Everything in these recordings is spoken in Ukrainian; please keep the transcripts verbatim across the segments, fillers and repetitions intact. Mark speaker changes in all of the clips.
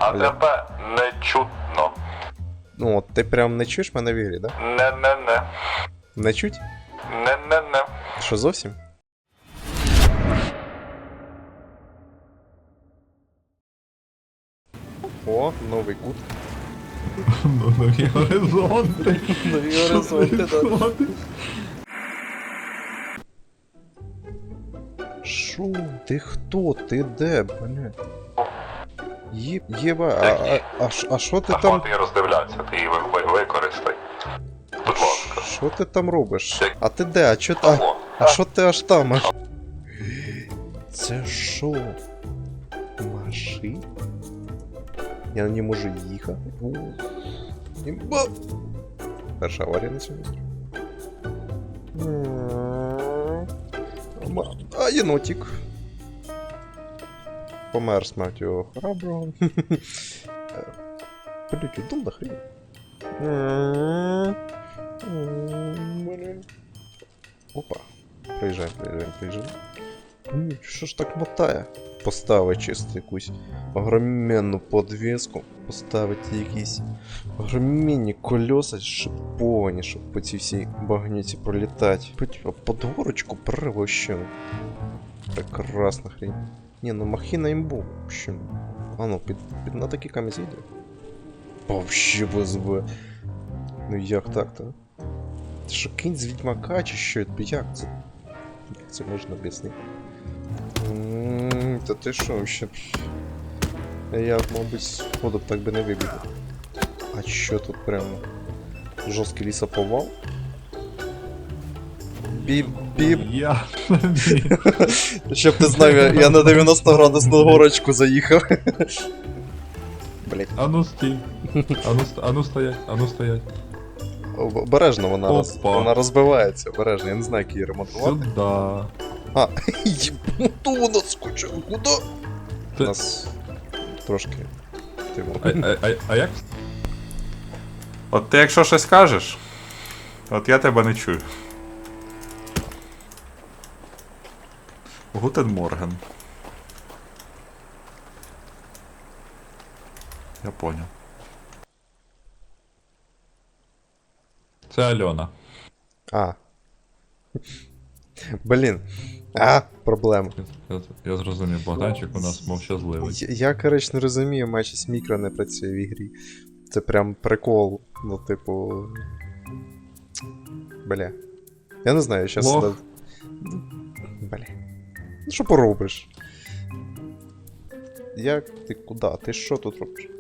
Speaker 1: А тебе не чутно.
Speaker 2: Ну, от ти прям не чуєш мене в ігрі, да?
Speaker 1: Не-не-не.
Speaker 2: Не чуть?
Speaker 1: Не-не-не.
Speaker 2: Що зовсім? О, новий кут.
Speaker 3: Нові горизонти.
Speaker 2: Нові горизонти, да. Шо? Ти хто? Ти де, бля? Є... Єба, а, а, а, ш- а що ти
Speaker 1: Та
Speaker 2: там...
Speaker 1: хвати роздивлятися, ти її ви- ви- використай. Будь ласка.
Speaker 2: Що ти там робиш? А ти де? А чо ти... А,
Speaker 1: О,
Speaker 2: а що ти аж там? Аж... Це що? Машина? Я на ній можу їхати? О, імба! Перша аварія на сьогодні. Ма- А, єнотик. Помер смертю храброго. Блять, удал до хрена. Опа. Приїжджаємо, приїжджаємо, приїжджаємо. М, Що ж так мотає? Поставити чисто якусь огроменну подвеску. Поставити якісь огроменні колеса шиповані, щоб по цій всій багнюці пролітати. Типа под горочку превощено. Прекрасна хрень. Не, ну махина имбу, в общем. А ну, під, під на такі камінь зійде. Вообще без Б. Ну як так-то? Це що, кінь з відьмака чи що? Як це? Як це можна об'яснити? Та ти що вообще? Я, мабуть, сходу б так би не вибігав. А що тут прямо? Жорсткий лісоповал? Біп-біп.
Speaker 3: Я.
Speaker 2: Щоб ти знав, я, я на дев'яносто градусну горочку заїхав. Блять.
Speaker 3: Ану стій. Ану, ст- ану стоять, ану стоять.
Speaker 2: Обережно вона, роз,
Speaker 3: Опа.
Speaker 2: вона розбивається, обережно, я не знаю, як її ремонтувати.
Speaker 3: Сюда.
Speaker 2: А, єбуту вона скучила, куди? У
Speaker 3: Ти-
Speaker 2: нас трошки. Типу.
Speaker 3: А, а, а, а як?
Speaker 1: От ти якщо щось кажеш, от я тебе не чую. Гутен Морген. Я понял.
Speaker 3: Це Альона.
Speaker 2: А. Блін. А, проблема.
Speaker 3: Я, я зрозумів, Богданчик у нас мовчазливий.
Speaker 2: Я, я коротше, не розумію, майже мікро не працює в ігрі. Це прям прикол. Ну, типу. Бля. Я не знаю, щас.
Speaker 3: Лох.
Speaker 2: Да... Бля. Ну що поробиш? Як ти куди? Ти що тут робиш?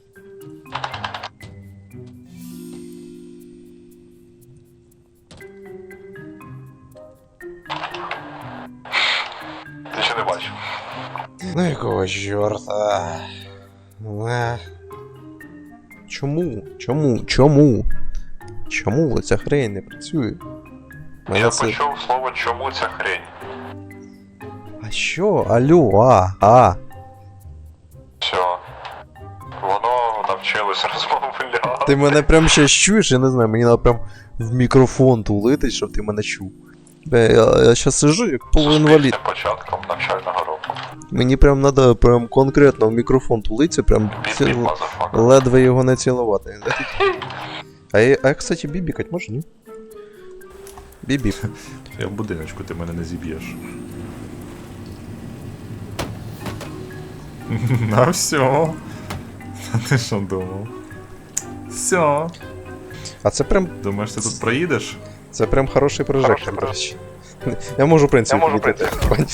Speaker 1: Ти ще не бачив.
Speaker 2: Ну якого чорта? Е. Чому? Чому? Чому? Чому ця хрень не працює? Мене
Speaker 1: Я
Speaker 2: це...
Speaker 1: почув слово чому ця хрень.
Speaker 2: А що? Алло, а, а.
Speaker 1: Все. Воно навчилось розмовляти.
Speaker 2: Ти мене прям ще чуєш, я не знаю, мені треба прям в мікрофон тулити, щоб ти мене чув. Бе, я, я щас сижу як полуінвалід.
Speaker 1: Суспільним початком навчального року.
Speaker 2: Мені прям треба прям конкретно в мікрофон тулитися, прям ці...
Speaker 1: Біп-біп, мазафака.
Speaker 2: ледве його не цілувати. А я, а я, кстати, бібікать можу, ні? Бібіп.
Speaker 1: Я в будиночку, ти мене не зіб'єш. А все. А ти що думав? Все.
Speaker 2: А це прям,
Speaker 1: Думаєш, ти тут проїдеш?
Speaker 2: це прям хороший прожектор, до речі. Я можу, в принципі,
Speaker 1: Я можу, в
Speaker 2: підійти.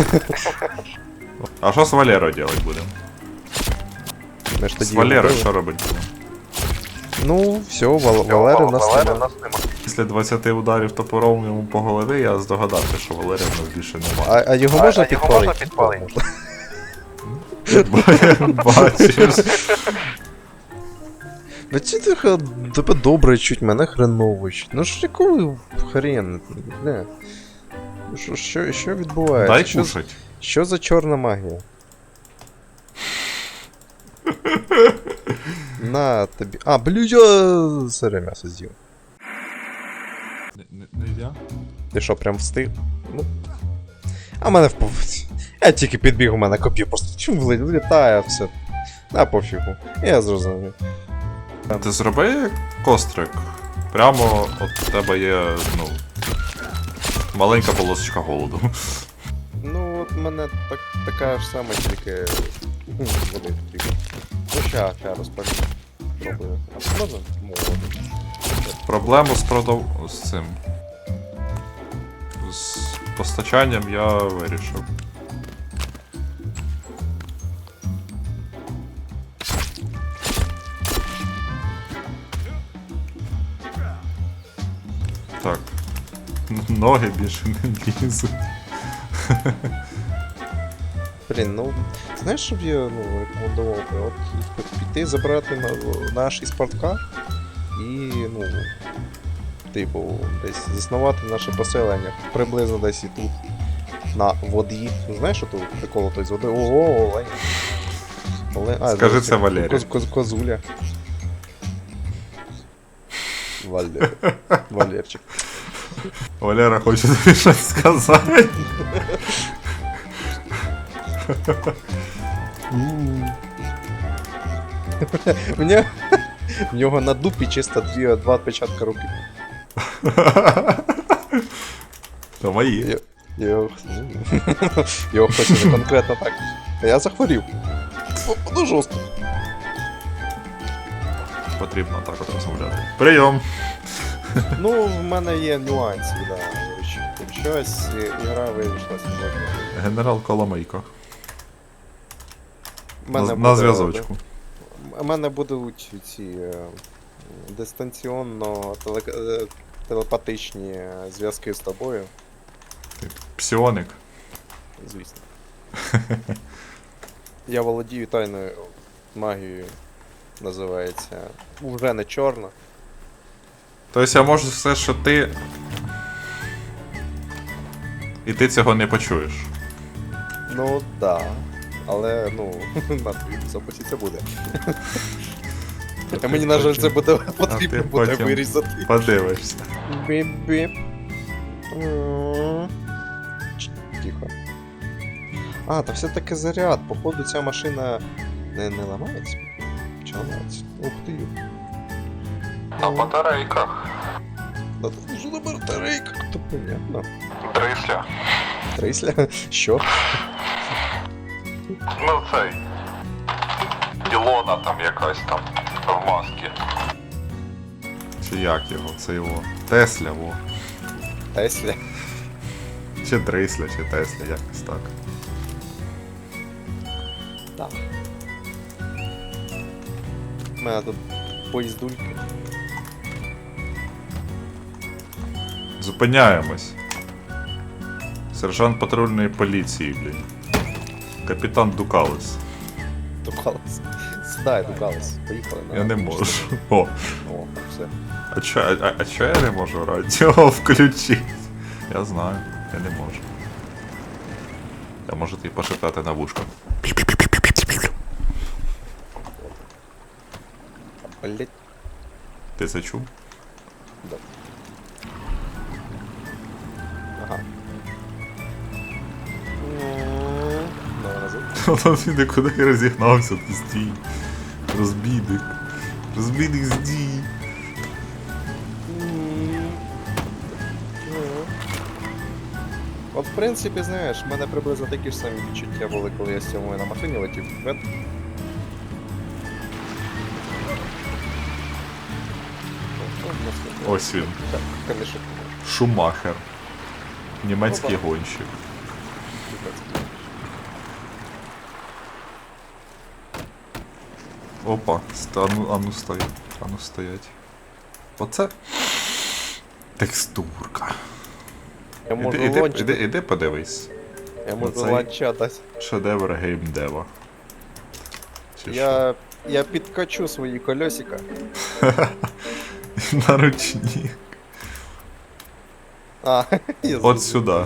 Speaker 1: А що з Валерою робити будемо?
Speaker 2: Ми ж тоді
Speaker 1: З Валерою
Speaker 2: говорили.
Speaker 1: що робити будемо?
Speaker 2: Ну, все, Вал... Валери в нас нема.
Speaker 1: Після двадцяти ударів топором йому по голові я здогадався, що Валерія в нас більше немає.
Speaker 2: А, а його можна підпалити? Можна.
Speaker 1: Бачиш.
Speaker 2: Ну ці тихо, тебе добре чуть, мене хреново чуть. Ну ж якого хрен, бля. Що, що, що відбувається?
Speaker 1: Дай
Speaker 2: що,
Speaker 1: кушать.
Speaker 2: що за чорна магія? На тобі. А, блю, я сире м'ясо з'їв.
Speaker 3: Не, не, нельзя?
Speaker 2: Ти що, прям встиг? Ну. А мене впав. Я тільки підбіг, у мене коп'є просто чум влітає, все. А пофігу. Я зрозумів.
Speaker 1: Ти зроби кострик. Прямо от у тебе є, ну. Маленька полосочка голоду.
Speaker 2: Ну, от в мене так, така ж сама, тільки хм, води потрібно. Ну, ща, ща розпалю. Пробую. А що можна? Можна.
Speaker 1: Проблему з продав... з цим. З постачанням я вирішив. Так. Ноги більше не лізуть.
Speaker 2: Блін, ну, знаєш, щоб я ну, рекомендував би, от піти забрати на, наш спорткар і, ну, типу, десь заснувати наше поселення. Приблизно десь і тут. На воді. Ну, знаєш, що тут прикол той з води? Ого, олень. Олень. А,
Speaker 1: Скажи
Speaker 2: зовсім
Speaker 1: це Валерію.
Speaker 2: Коз, коз, козуля. Валер. Валерчик.
Speaker 1: Валера хоче тобі щось сказати.
Speaker 2: У нього, в нього на дупі чисто дві, два відпечатка руки.
Speaker 1: То мої.
Speaker 2: Я- Його, ну, його хоче не конкретно так. А я захворів. О, ну жорстко.
Speaker 1: Потрібно так от розмовляти. Прийом!
Speaker 2: Ну, в мене є нюанси, да. Щось ігра вийшла сьогодні.
Speaker 1: Генерал Коломийко.
Speaker 2: В
Speaker 1: На,
Speaker 2: мене
Speaker 1: на
Speaker 2: буде-
Speaker 1: зв'язочку.
Speaker 2: У мене будуть ці е, дистанційно теле, е, телепатичні зв'язки з тобою,
Speaker 1: Ти псіоник.
Speaker 2: звісно. Я володію тайною магією, називається. Уже не чорна.
Speaker 1: Тобто я можу все, що ти. І ти цього не почуєш.
Speaker 2: Ну да. Але, ну, на твоїй записі це буде. А мені, на жаль, це буде потрібно
Speaker 1: ти
Speaker 2: буде
Speaker 1: потім
Speaker 2: вирізати.
Speaker 1: Подивишся.
Speaker 2: Біп-біп. М. Ч- Тихо. А, та все-таки заряд. Походу ця машина не, не ламається. Чи ламається? Ух ти.
Speaker 1: На батарейках.
Speaker 2: Да тут ж на батарейках, то понятно.
Speaker 1: Трисля.
Speaker 2: Трисля? Що?
Speaker 1: Ну цей. Ілона там якась там в масці. Чи як його? Це його. Тесля, во.
Speaker 2: Тесля?
Speaker 1: Чи Трисля, чи Тесля, якось так.
Speaker 2: Так. У мене тут поїздульки.
Speaker 1: Зупиняємось. Сержант патрульної поліції, блін. Капітан Дукалес.
Speaker 2: Дукалес. Сідай, Дукалес. Поїхали на.
Speaker 1: Я не можу. О,
Speaker 2: О, все.
Speaker 1: а чо, а, а чо я не можу радіо включити? Я знаю, я не можу. Я можу тобі пошептати на вушко.
Speaker 2: Блять.
Speaker 1: Ти це чув?
Speaker 2: Да. Ага. М, Давай назад.
Speaker 1: Там він нікуди розігнався, ти стій. Розбійник. Розбійник здій.
Speaker 2: М, ну. От, в принципі, знаєш, в мене приблизно такі ж самі відчуття були, коли я з цього на машині летів. Вет.
Speaker 1: Ось він.
Speaker 2: Так, камішок.
Speaker 1: Шумахер. Німецький гонщик. Опа, ста- ану, ану стоять. Ану стоять. Оце. Текстурка.
Speaker 2: Я можу
Speaker 1: Іди, іди,
Speaker 2: ланч,
Speaker 1: іди, іди подивись.
Speaker 2: я можу
Speaker 1: оцей-
Speaker 2: ланча дати.
Speaker 1: Шедевр геймдева. Чи що?
Speaker 2: Я, я підкачу свої колесика.
Speaker 1: На ручні.
Speaker 2: А, я
Speaker 1: От
Speaker 2: зрозумів.
Speaker 1: сюди.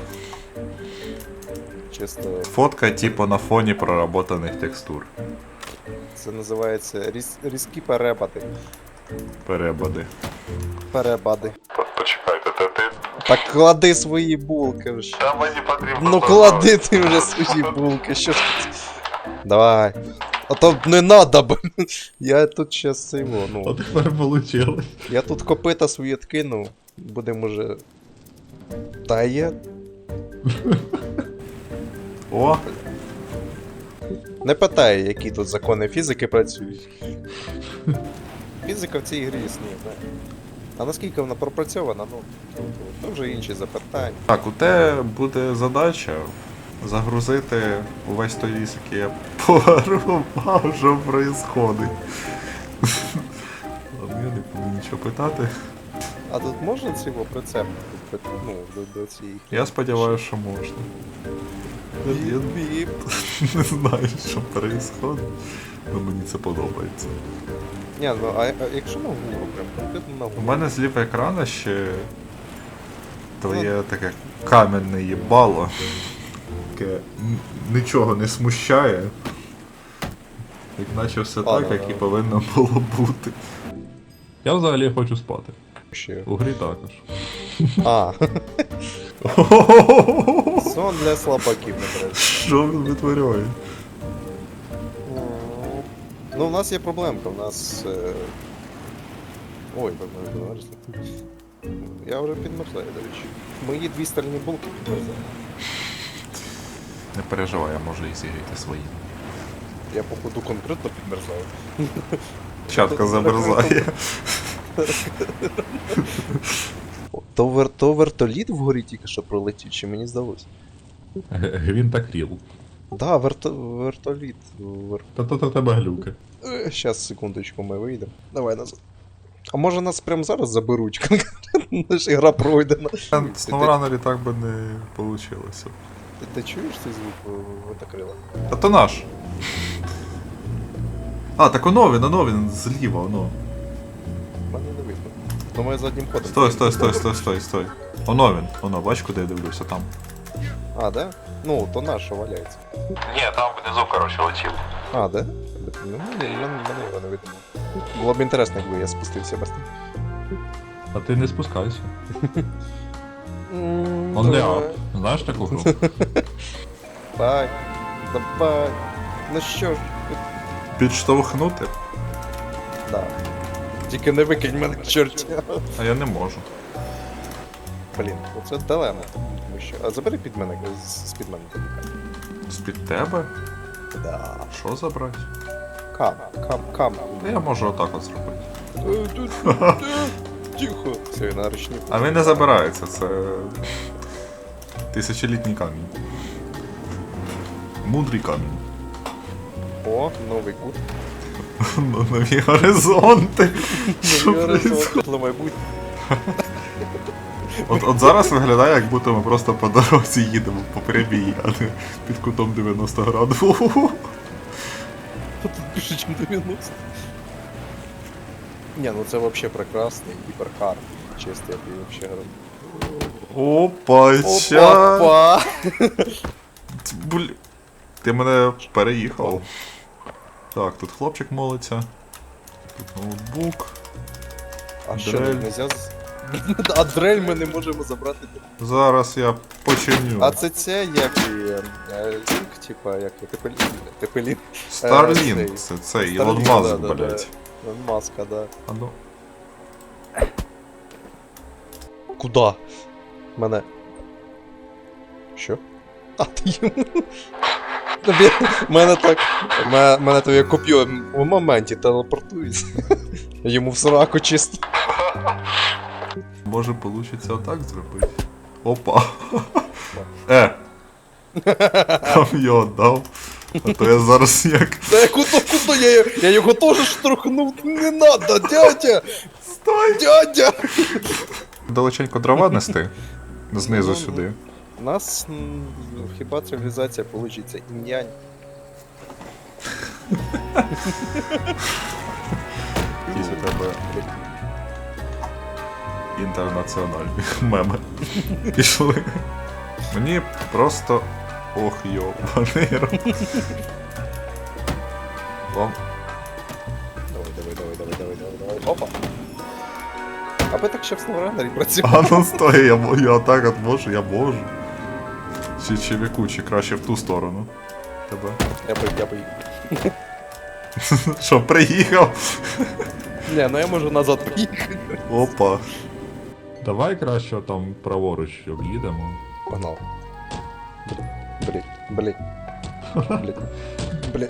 Speaker 2: Чисто,
Speaker 1: Фотка типу на фоні проработаних текстур.
Speaker 2: це називається різ, різкі перебади.
Speaker 1: Перебади.
Speaker 2: Перебади.
Speaker 1: Почекайте, та ти.
Speaker 2: Так клади свої булки вже.
Speaker 1: Та мені потрібно.
Speaker 2: Ну клади ти вже свої булки, що ж ти. Давай. А то не надо, б. Я тут щас це його,
Speaker 3: А
Speaker 2: ну.
Speaker 3: тепер вийшло.
Speaker 2: Я тут копита свої откинув. Будемо уже. Та є.
Speaker 1: О,
Speaker 2: Не питай, які тут закони фізики працюють. Фізика в цій грі існує, так. А наскільки вона пропрацьована, ну, то, то, то вже інші запитання.
Speaker 1: так, у тебе буде задача загрузити увесь той ліс, який я порубав, що происходить. Ладно, я не буду нічого питати.
Speaker 2: А тут можна цього прицеп? Ну, до, до цієї.
Speaker 1: Я сподіваюся, що можна. Я
Speaker 2: Біп.
Speaker 1: не знаю, що происходить, але мені це подобається.
Speaker 2: Ні, ну а, а якщо на гору, прям конкретно на
Speaker 1: У
Speaker 2: гору.
Speaker 1: мене зліва екрана ще твоє таке кам'яне їбало, яке н- нічого не смущає. Як наче все
Speaker 2: А,
Speaker 1: так,
Speaker 2: да,
Speaker 1: як і
Speaker 2: да.
Speaker 1: повинно було бути.
Speaker 3: Я взагалі хочу спати.
Speaker 2: Ще.
Speaker 3: У грі також.
Speaker 2: А, сон для слабаків, не треба.
Speaker 1: Що він витворяє?
Speaker 2: Ну, у нас є проблемка, у нас. Е... Ой, ви підмерзли. Я вже підмерзаю, до речі. Мої дві стальні булки підмерзали.
Speaker 1: Не переживай, я можу і зігріти свої.
Speaker 2: Я походу конкретно підмерзаю.
Speaker 1: Чатка замерзає.
Speaker 2: То, вер... то вертоліт вгорі тільки що пролетів, чи мені здалося?
Speaker 3: Г- Гвинтокріл.
Speaker 2: Да, верто... вертоліт. Вер...
Speaker 3: Та то то тебе глюки.
Speaker 2: Е, Щас, секундочку, ми вийдемо. Давай назад. А може нас прямо зараз заберуть конкретно? Наша гра пройдена.
Speaker 1: Сноуранері так би не вийшло.
Speaker 2: Ти, ти чуєш цей звук винтокрила?
Speaker 1: А то наш. А, так оно він, оно він, зліва, оно.
Speaker 2: Мене не видно. Думаю, заднім ходом.
Speaker 1: Стой, стой, стой, стой, стой, стой. Оно він, оно, бач, куди я дивлюся, там.
Speaker 2: А, да? Ну, то наш, що валяється.
Speaker 1: Ні, там внизу, коротше, летів.
Speaker 2: А, да? Ну, ні, мене, мене його не видно. Було б інтересно, якби я спустився без
Speaker 3: А ти не спускайся.
Speaker 2: On
Speaker 3: On the up. Знаєш таку гру?
Speaker 2: Давай, давай. Ну що ж,
Speaker 1: Підштовхнути?
Speaker 2: да. Тільки не викинь мене к чорті.
Speaker 1: А я не можу.
Speaker 2: Блін, оце дилема. Тому що... А забери під мене, з- з-під мене.
Speaker 1: З-під тебе?
Speaker 2: Да.
Speaker 1: Що забрати?
Speaker 2: Кам, кам, кам.
Speaker 1: Та я можу отак от зробити.
Speaker 2: Е, тут, е, Тихо. Все, я на ручні.
Speaker 1: А він не забирається, це. Тисячолітній камінь. Мудрий камінь.
Speaker 2: О, новий кут.
Speaker 1: Нові горизонти. Що
Speaker 2: Новий
Speaker 1: происходить?
Speaker 2: горизонт для майбутнього.
Speaker 1: От, от зараз виглядає, як будто ми просто по дорозі їдемо по прямій, а не під кутом дев'яносто градусів.
Speaker 2: Тут більше, ніж дев'яносто. Ні, ну це вообще прекрасний гіперкар. Чесно, я тобі вообще говорю.
Speaker 1: Опа, ща.
Speaker 2: Опа!
Speaker 1: Блін. Ти мене переїхав. Так, тут хлопчик молиться. Тут ноутбук.
Speaker 2: А що,
Speaker 1: Дрель.
Speaker 2: не нельзя з... А дрель ми не можемо забрати.
Speaker 1: Зараз я починю.
Speaker 2: А це це як і е, е, лінк, типа, як і Тепелін. Тепелін.
Speaker 1: Старлінк,
Speaker 2: цей.
Speaker 1: це цей, Ілон
Speaker 2: Starlink,
Speaker 1: Маск,
Speaker 2: да, да,
Speaker 1: блять.
Speaker 2: да. Маска, да.
Speaker 1: А ну.
Speaker 2: Куда? Мене. Що? А ти йому. Тобі. Мене так. Мене, мене тобі коп'ю в моменті телепортується. Йому в сраку чисто.
Speaker 1: Може получиться отак зробити. Опа. Е. Там його дав. А то я зараз як.
Speaker 2: Та я куди, куди? Я, я його теж штурхнув. Не надо, дядя!
Speaker 1: Стой!
Speaker 2: Дядя!
Speaker 1: Далеченько дрова нести. Знизу
Speaker 2: Ну,
Speaker 1: сюди.
Speaker 2: У нас м, хіба цивілізація получиться інь-янь.
Speaker 1: Якісь у тебе інтернаціональні меми. Пішли. Мені просто. Ох йобаний рот. Вам.
Speaker 2: Давай, давай, давай, давай, давай, давай, давай. Опа! А ви так ще в SnowRunner працювали?
Speaker 1: А ну стой, я, мо- я так от можу, я можу. Чи, чи в яку, чи краще в ту сторону. Тебе.
Speaker 2: Я би, я би.
Speaker 1: Що, приїхав?
Speaker 2: Не, ну я можу назад поїхати.
Speaker 1: Опа.
Speaker 3: Давай краще там праворуч об'їдемо.
Speaker 2: Погнал. Блять, блять, блять, блять,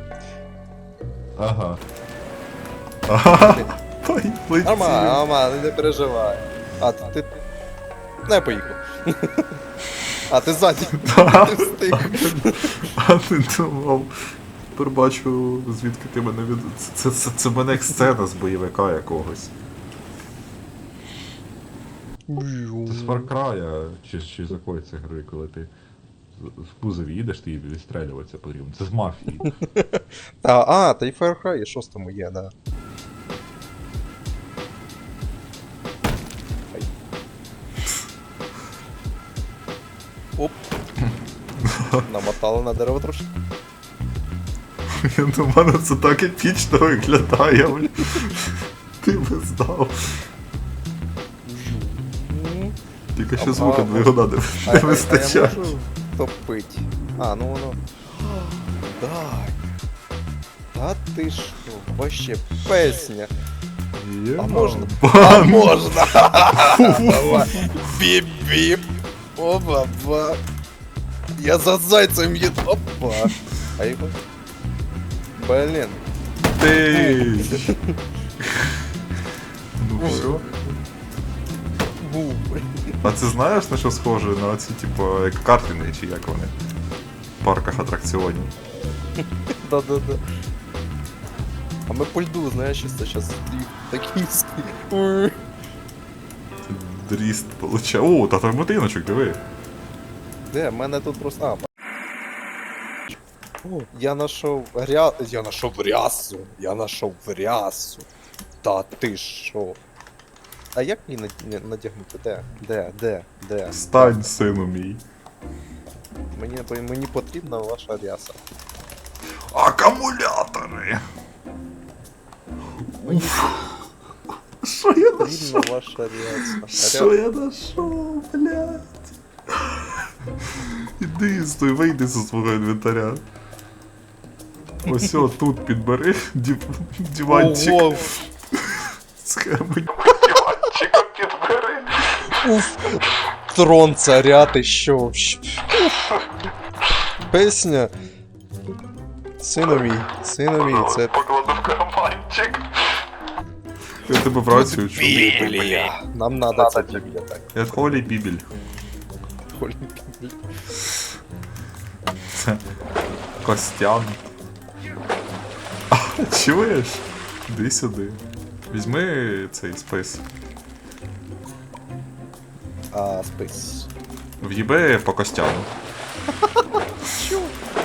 Speaker 3: Ага.
Speaker 1: Ага.
Speaker 2: блять.
Speaker 1: Ой, летів.
Speaker 2: Нормально, нормально, не переживай. А, ти... Не, я поїхав. А, ти ззаді. Ти встиг.
Speaker 1: А не думав. Тепер бачу, звідки ти мене від... Це, це, це мене як сцена з бойовика якогось.
Speaker 3: Це з Far Cry, чи, чи з якої це гри, коли ти з- в кузові їдеш, ти відстрілюватися потрібно. Це з мафії.
Speaker 2: А, а, та й Far Cry, і шостому є, да. Ай. Оп. Намотали на дерево трошки.
Speaker 1: Я думаю, це так епічно виглядає, бля. Ти би здав. Тільки що
Speaker 2: А-
Speaker 1: звука
Speaker 2: а-
Speaker 1: двигуна не,
Speaker 2: А,
Speaker 1: не
Speaker 2: а, а
Speaker 1: вистачає.
Speaker 2: я можу топить? А, ну воно. Так. Та ти що, вообще песня. А можна? А
Speaker 1: Бан!
Speaker 2: можна! Біп-біп! Опа-ба! Я за зайцем їду! Опа! А його? Блін.
Speaker 1: Ти! Ну все.
Speaker 2: Бу.
Speaker 1: А це знаєш на що схоже? На ці, типу, як картини, чи як вони? В парках атракціонів.
Speaker 2: Да-да-да. А ми по льду, знаєш, це зараз такий стиль.
Speaker 1: Дріст получає. О, та там мотиночок, диви.
Speaker 2: Де, в мене тут просто. А, О, я нашов ря... Я нашов рясу. Я нашов рясу. Та ти що? А як мені над- не- надягнути? Де? Де? Де? Де?
Speaker 1: Стань, сину мій.
Speaker 2: Мені, мені потрібна ваша ряса.
Speaker 1: Акумулятори!
Speaker 2: Мені
Speaker 1: Що я
Speaker 2: потрібна
Speaker 1: нашов?
Speaker 2: ваша ряса.
Speaker 1: Що я нашов, блядь? Іди, стой, вийди зі свого інвентаря. Ось о, тут підбери дів... диванчик.
Speaker 2: Ого!
Speaker 1: Схему. Диванчиком підбери.
Speaker 2: Уф! Трон царя, ти що вообще? Песня. Сину мій, сину мій, це
Speaker 1: Покладу в карманчик. Я тебе в рацію чув.
Speaker 2: Біблія. Нам надо ця Біблія, так.
Speaker 1: Я Холі Бібель.
Speaker 2: Холі Біблія.
Speaker 1: Це Костян. А, чуєш? Іди сюди. Візьми цей спис.
Speaker 2: А, спис.
Speaker 1: В'їби по Костяну.
Speaker 2: Чо?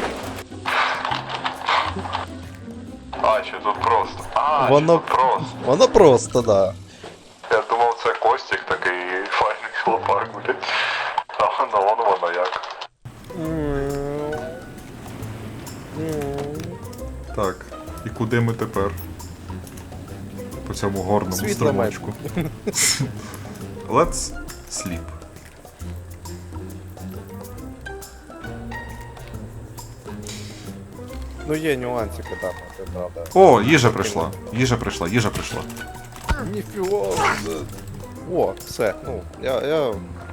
Speaker 1: А, чи тут просто? А,
Speaker 2: Воно-
Speaker 1: чи тут просто?
Speaker 2: Воно просто, да.
Speaker 1: Я думав, це Костік такий файний хлопак, блядь. А воно, воно, воно як. Так, і куди ми тепер? По цьому горному
Speaker 2: Світло має.
Speaker 1: струмочку. Let's sleep.
Speaker 2: Ну є нюансики, да, це правда.
Speaker 1: О, їжа прийшла. Їжа прийшла, їжа прийшла.
Speaker 2: Ніфіга. О, все, ну, я, я...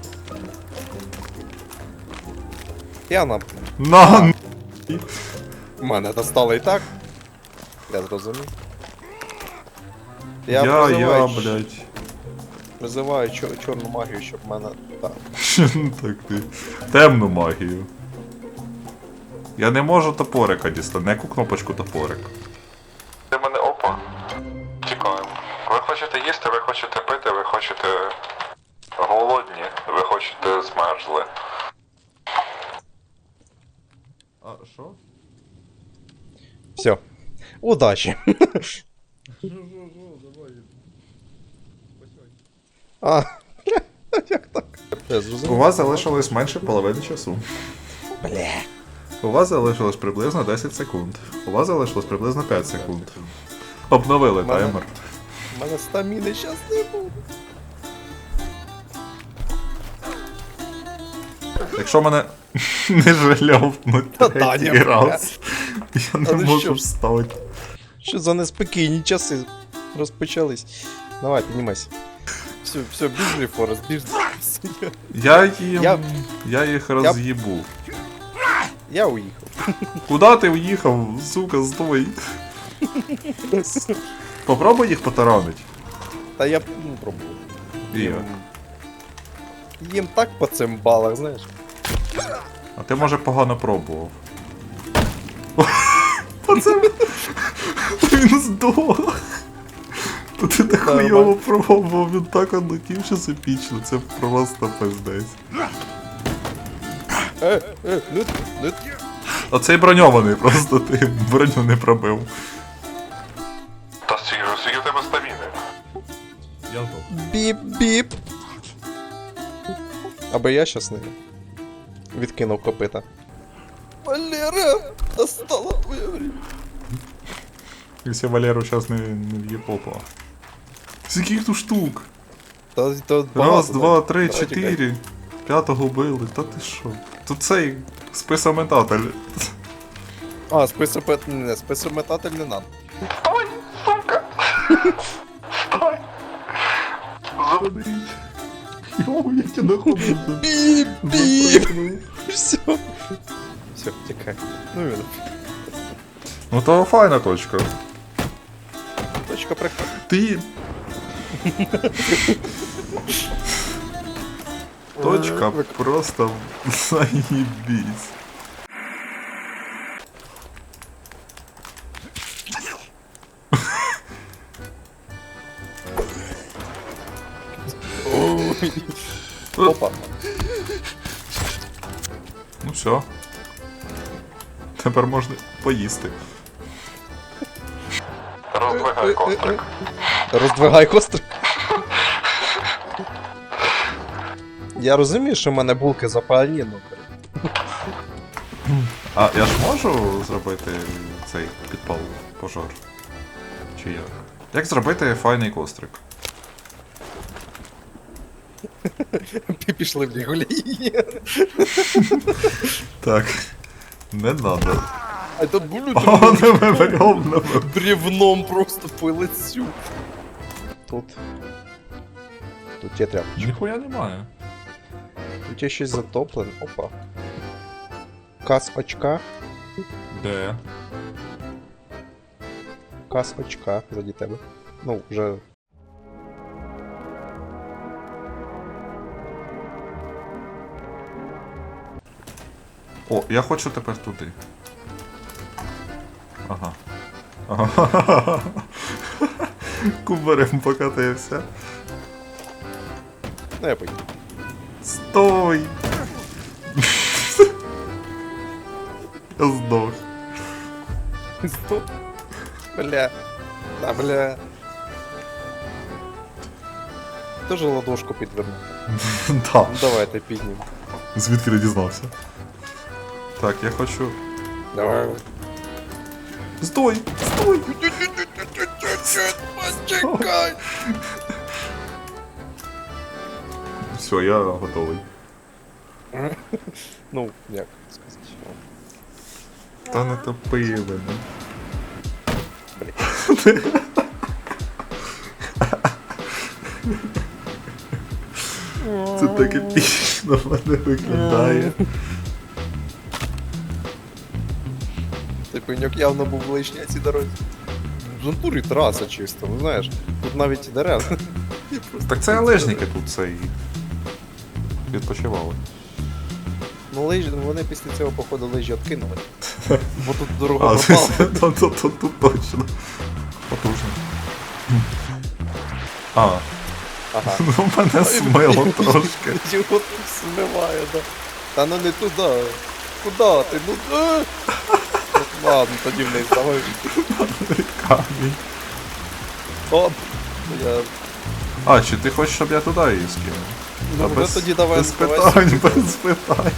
Speaker 2: Я на...
Speaker 1: На!
Speaker 2: Мене достало і так. Я зрозумів.
Speaker 1: Я, я,
Speaker 2: призиваю,
Speaker 1: блядь.
Speaker 2: призиваю чор- чорну магію, щоб мене... Так.
Speaker 1: Так ти. Темну магію. Я не можу топорика дістати, на яку кнопочку топорик. Ти мене опа. Чекаємо. Ви хочете їсти, ви хочете пити, ви хочете голодні, ви хочете змерзли. А що?
Speaker 2: Все. Удачі. А, як так? Я
Speaker 1: У
Speaker 2: зрозумів.
Speaker 1: вас залишилось менше половини часу.
Speaker 2: Бля.
Speaker 1: У вас залишилось приблизно десять секунд. У вас залишилось приблизно п'ять секунд. Обновили
Speaker 2: Мене-
Speaker 1: таймер.
Speaker 2: У мене стаміни щас не буде.
Speaker 1: Якщо мене не жальовнуть
Speaker 2: Та
Speaker 1: третій
Speaker 2: Таня,
Speaker 1: раз, я не
Speaker 2: Але
Speaker 1: можу
Speaker 2: що?
Speaker 1: встати.
Speaker 2: Що за неспокійні часи розпочались. Давай, піднімайся. Все, все, біжи, Форест, біжи.
Speaker 1: Я їм...
Speaker 2: Я-
Speaker 1: Я їх роз'їбу.
Speaker 2: Я уїхав.
Speaker 1: Куда ти уїхав, сука, стой. Попробуй їх потаранить.
Speaker 2: Та я ну, пробував.
Speaker 1: І я.
Speaker 2: Їм... Їм так по цим балах, знаєш.
Speaker 1: А ти, може, погано пробував. Оце... Він здох. Та ти так
Speaker 2: Нормально.
Speaker 1: хуйово пробував, він так одлетів, що це епічно, це просто пиздець.
Speaker 2: Е, е, не, не.
Speaker 1: Оцей броньований, просто ти броню не пробив. Та скільки в тебе стаміни?
Speaker 3: Я здох.
Speaker 2: Біп-біп. Аби я щас не відкинув копита. Валера, настало твоє время.
Speaker 1: Якщо Валеру зараз не, не в'є попа. Скільки тут штук?
Speaker 2: Та, та
Speaker 1: Раз,
Speaker 2: багато,
Speaker 1: два,
Speaker 2: так.
Speaker 1: три,
Speaker 2: Давай, тікай.
Speaker 1: чотири. П'ятого били, та ти що? Тут цей списометатель.
Speaker 2: А, списопет... не, списометатель не надо.
Speaker 1: Стой, сука! Стой! Заберіть.
Speaker 3: Йоу, я тебе находив.
Speaker 2: Біп-біп. Все. Все, тікай. Ну він.
Speaker 1: Ну то файна точка.
Speaker 2: Точка прикольна.
Speaker 1: Ти. Точка просто заебись.
Speaker 2: Опа.
Speaker 1: Ну все. Тепер можна поїсти. Роздвигай кострик.
Speaker 2: Роздвигай кострик. Я розумію, що в мене булки запалені, ну.
Speaker 1: А я ж можу зробити цей підпал пожар? Чи як? Як зробити файний кострик?
Speaker 2: Пішли в лігулі.
Speaker 1: Так. Не надо.
Speaker 2: А тут булю
Speaker 1: О, не ми берем,
Speaker 2: бревном просто по лицю. Тут. Тут є тряпочка.
Speaker 3: Ніхуя немає.
Speaker 2: Тут є щось затоплене. Опа. Кас очка.
Speaker 3: Де?
Speaker 2: Кас очка заді тебе. Ну, вже.
Speaker 1: О, я хочу тепер туди. Ага. Ага. Кубарем покатився.
Speaker 2: Ну, я поїду.
Speaker 1: Стой! Я здох.
Speaker 2: Стоп. Бля. Да, бля. Тоже ладошку підвернув.
Speaker 1: Да.
Speaker 2: Ну давайте піднімемо.
Speaker 1: Звідки не дізнався? Так, я хочу.
Speaker 2: Давай.
Speaker 1: Стой! Стой!
Speaker 2: Почекай!
Speaker 1: Все, я готовий.
Speaker 2: Ну, як сказати.
Speaker 1: Та не топи мене. Це так епічно в мене виглядає.
Speaker 2: Цей пеньок явно був лишній на цій дорозі. В натурі траса чисто, ну знаєш. Тут навіть і дерев.
Speaker 1: Так це лижники тут цей. Відпочивали.
Speaker 2: Ну лижі, вони після цього походу лижі откинули. Бо тут дорога
Speaker 1: А,
Speaker 2: пропала.
Speaker 1: тут, тут, тут, тут точно. Потужно. А,
Speaker 2: Ага.
Speaker 1: ну мене смило трошки.
Speaker 2: Його тут смиває, да. Та ну не туди. Куда ти? Ну е! Ну, ладно, тоді вниз, давай.
Speaker 1: Камінь.
Speaker 2: Оп! Я...
Speaker 1: А, чи ти хочеш, щоб я туди її скинув?
Speaker 2: Ну,
Speaker 1: Та
Speaker 2: вже тоді давай.
Speaker 1: без
Speaker 2: давай
Speaker 1: питань,
Speaker 2: сюди.
Speaker 1: без питань.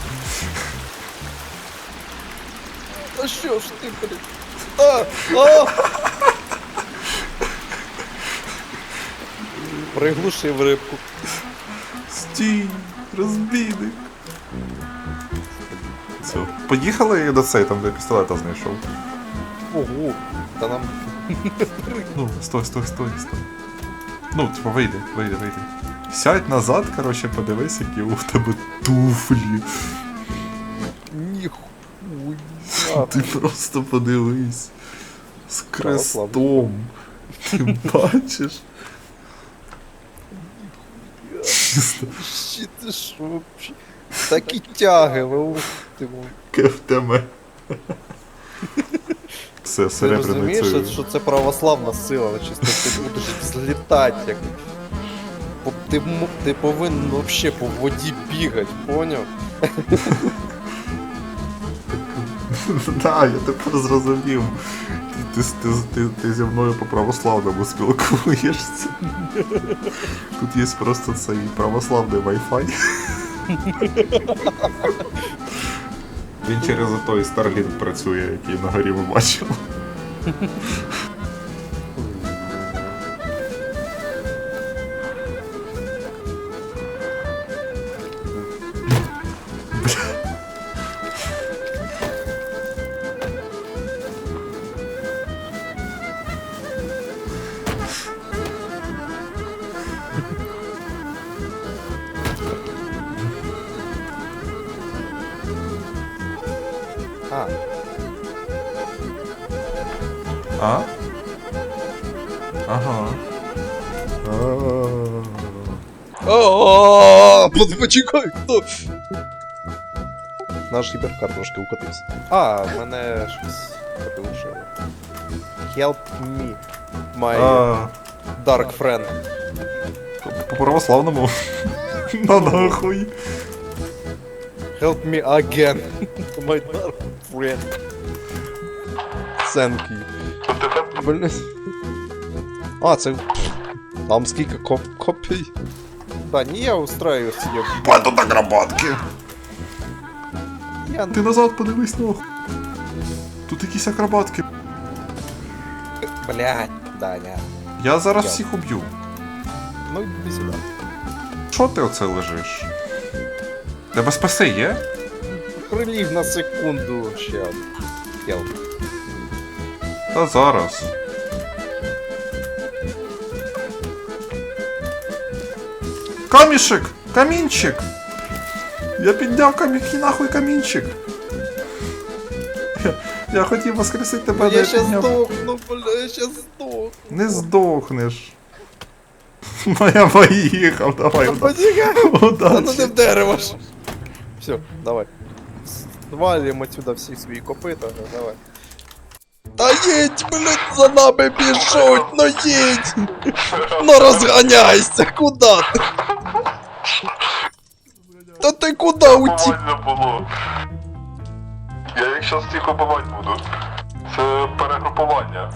Speaker 2: А що ж ти, блін? А! А! Приглушив рибку.
Speaker 1: Стій, розбійник. Все, поїхали до цей, там де пістолета знайшов.
Speaker 2: Ого. Та нам...
Speaker 1: Ну, стой, стой, стой, стой. Ну, типа, вийди, вийди, вийди. Сядь назад, короче, подивись, які у тебе туфлі.
Speaker 2: Ніхуя.
Speaker 1: Ти просто подивись. З крестом. Ти бачиш? Чисто.
Speaker 2: Щі ти що вообще? Такі тяги, ви ух ти мой.
Speaker 1: КФТМ. Все,
Speaker 2: Ти
Speaker 1: серебряний
Speaker 2: розумієш,
Speaker 1: цей.
Speaker 2: що це православна сила, але чисто ти будеш злітати, як... По- Ти, м- ти повинен вообще по воді бігати, поняв?
Speaker 1: Да, я тепер зрозумів. Ти, ти, ти, ти, ти зі мною по православному спілкуєшся. Тут є просто цей православний Wi-Fi. Він через той Starlink працює, який на горі ми бачили.
Speaker 2: А,
Speaker 1: А? Ага.
Speaker 2: Ааа, почекай, хто? Наш гіперкар трошки укотився. А, в мене щось порушило. Help me, my
Speaker 1: А,
Speaker 2: dark friend.
Speaker 1: по православному. На нахуй.
Speaker 2: Help me again, my dark friend. Thank you. Блин. А, це... Там скільки коп копій? Та ні, я устраю собі.
Speaker 1: Паду на грабатки.
Speaker 2: Я...
Speaker 1: Ти назад подивись, нахуй. Тут якісь акробатки.
Speaker 2: Блядь, Даня.
Speaker 1: Я зараз
Speaker 2: Я.
Speaker 1: всіх уб'ю.
Speaker 2: Ну, іди сюди.
Speaker 1: Що ти оце лежиш? Тебе спаси є?
Speaker 2: Приліг на секунду ще. Help.
Speaker 1: Та зараз. Камішек! Камінчик! Я підняв камінь, нахуй камінчик! Я, я хотів воскресити тебе, але
Speaker 2: Я
Speaker 1: я
Speaker 2: щас
Speaker 1: підняв.
Speaker 2: здохну, бля, я щас здохну.
Speaker 1: Не здохнеш. Ну я поїхав, давай.
Speaker 2: Та
Speaker 1: уда-
Speaker 2: почекай. Та ну
Speaker 1: Удачі.
Speaker 2: не в дерево ж. Все, давай. Звалим отсюда всі свої копита, давай. Та їдь, блядь, за нами біжуть, ну їдь! Ну розганяйся, куда ти? Та ти куди утік?
Speaker 1: Нормально було. Я їх щас всіх убивати буду. Це перегрупування.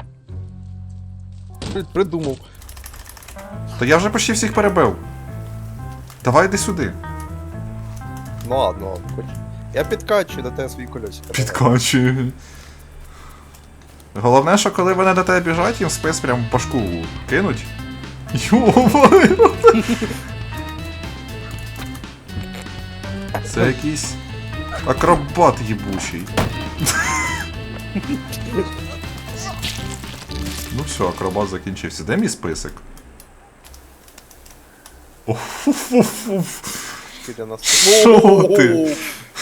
Speaker 2: Блядь, придумав.
Speaker 1: Та я вже почти всіх перебив. Давай йди сюди.
Speaker 2: Ну ладно, ладно, хоч. Я підкачую до тебе свої колесика.
Speaker 1: Підкачую. Головне, що коли вони до тебе біжать, їм спис прям по шку кинуть. Йо-моє! Це якийсь акробат їбучий. Ну все, акробат закінчився. Де мій список? Оф-фу-фу-фу.
Speaker 2: Скільки нас...
Speaker 1: Що ти?